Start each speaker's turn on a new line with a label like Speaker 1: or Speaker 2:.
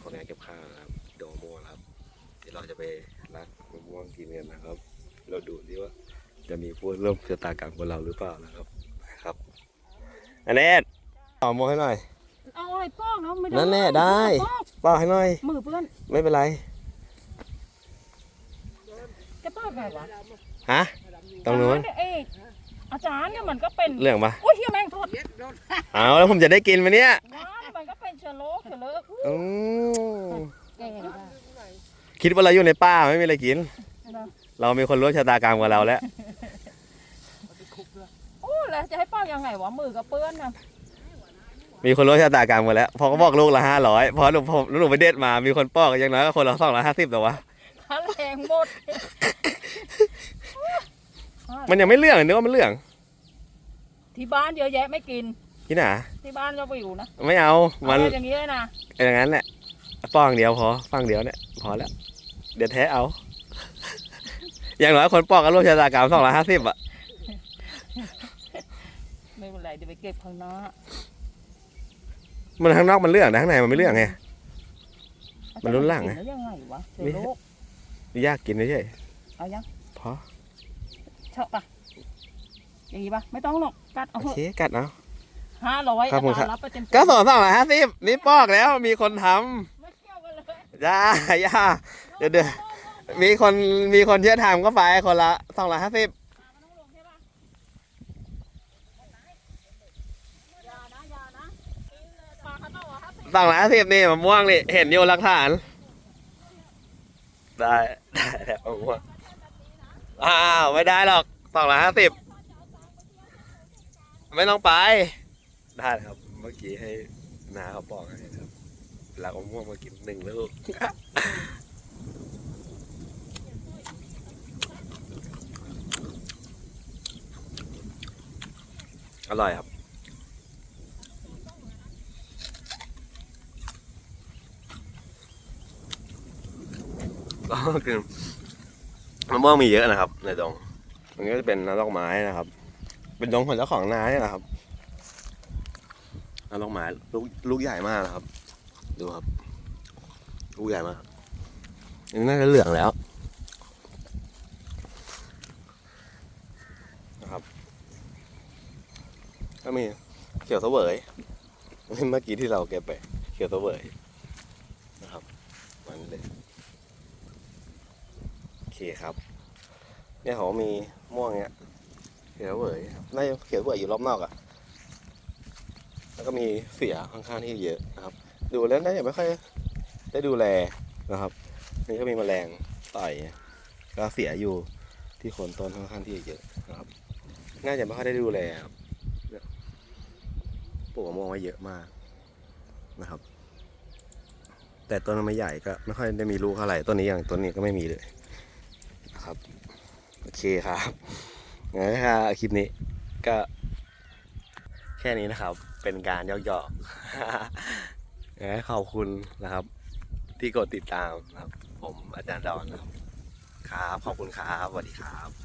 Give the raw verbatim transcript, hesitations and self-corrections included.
Speaker 1: ของงานเก็บข้าวนะครับโดโมครับเดี๋ยวเราจะไปรักมะม่วงกินกันนะครับเราดูดิว่าจะมีผู้ร่วมชะตากรรมกับเราหรือเปล่านะครับครับอันนี้ต่อโมให้หน่อย
Speaker 2: เอาอะไรป้องเนาะไม่ได้
Speaker 1: นั่นแน่ได้ป้าให้หน่อย
Speaker 2: มือเพื่อน
Speaker 1: ไม่เป็นไร
Speaker 2: จะป้าไงวะ
Speaker 1: ฮะตรงนู้น
Speaker 2: อาจารย์เนี่ยมันก็เป็น
Speaker 1: เรื่องปะ
Speaker 2: โอ้ยเฮียแมงทอด
Speaker 1: เอาแล้วผมจะได้กินไหมเนี่ย
Speaker 2: ว้ามันก็เป็นเชื้อโรคเชื้อโรค
Speaker 1: อืมคิดว่าเราอยู่ในป่าไม่มีอะไรกินเรามีคนรู้ชะตากรรมกับเราแล้ว
Speaker 2: โอ้แล้วจะให้ป้ายังไงวะมือกับเปื้อนนะ
Speaker 1: มีคนรู้ชะตากรรมกันแล้วพอเขาบอกลูกละห้าร้อยพอหนูผมหนูไปเด็ดมามีคนปอกอย่างน้อยก็คนละสองร้อยห้าสิบแต่วะ
Speaker 2: ค่าแรงหมด
Speaker 1: มันยังไม่เรื่องนึกว่ามันเรื่อง
Speaker 2: ที่บ้านเยอะแยะไม่กิน
Speaker 1: ที่ไหน
Speaker 2: ที่บ้านเราไปอยู่นะ
Speaker 1: ไม่เอามัน
Speaker 2: อย่างนี้เลยนะ
Speaker 1: อย่างนั้นแหละป้องเดียวพอฟังเดียวเนี่ยพอแล้วเดี๋ยวแท้เอาอย่างน้อยคนปอกก็รู้ชะตากรรมสองร้อยห้าสิบอ่ะ
Speaker 2: ไม่เป็นไรเดี๋ยวไปเก็บข้างนอก
Speaker 1: มันข้างนอกมันเรื่องนะข้างในมันไม่เรื่องไงมันรุนแรงไง
Speaker 2: ยังไงวะ
Speaker 1: ไม่ยากกินไม่ใช่
Speaker 2: เอายัง
Speaker 1: พอ
Speaker 2: ชอบปะอย่างนี้ปะไม่ต้องหรอกกัดเอา
Speaker 1: โอเคกัดเอา
Speaker 2: ห้าร้อยอาจารย์รับไปเต็ม
Speaker 1: ก็สองสองร้อยห้าสิบนี่ปอกแล้วมีคนทำ
Speaker 2: ไม่เกี่ยวกันเลย
Speaker 1: ย่าย่าเดี๋ยวเดี๋ยวมีคนมีคนเชื่อทำก็ไปคนละสองร้อยห้าสิบสองร้อยห้าสิบนี่มะม่วงนี่เห็นอยู่หลักฐานได้ได้แล้วมะม่วงอ้าวไม่ได้หรอกสองร้อยห้าสิบไม่ต้องไปได้ครับเมื่อกี้ให้นาเขาบอกให้ครับแล้วมะม่วงมากินหนึ่งลูกอร่อยครับก็คือมะม่วงมีเยอะนะครับในดงมันก็จะเป็นน้ำดอกไม้นะครับเป็นดงของเจ้าของนาเนี่ยนะครับน้ำดอกไม้ลูกลูกใหญ่มากนะครับดูครับลูกใหญ่มากนี่น่าจะเหลืองแล้วนะครับก็มีเขียวเสวยเมื่อกี้ที่เราเก็บไปเขียวเสวยนะครับมันเลยโอเคครับเนี่ยเขามีม่วงเนี้ยเขียวเสวยน่าจะเขียวเสวยอยู่รอบนอกอ่ะแล้วก็มีเสียค่อนข้างที่เยอะนะครับดูแล้วน่าจะไม่ค่อยได้ดูแลนะครับนี่ก็มีแมลงต่อยก็เสียอยู่ที่โคนต้นค่อนข้างที่เยอะนะครับน่าจะไม่ค่อยได้ดูแลครับปลูกมะม่วงไว้เยอะมากนะครับแต่ต้นมันไม่ใหญ่ก็ไม่ค่อยได้มีลูกเท่าไหร่ต้นนี้อย่างต้นนี้ก็ไม่มีเลยนะครับโอเคครับงั้นค่ะคลิปนี้ก็แค่นี้นะครับเป็นการย่อๆงั้นขอบคุณนะครับที่กดติดตามนะครับผมอาจารย์ดอนนะครับครับขอบคุณครับสวัสดีครับ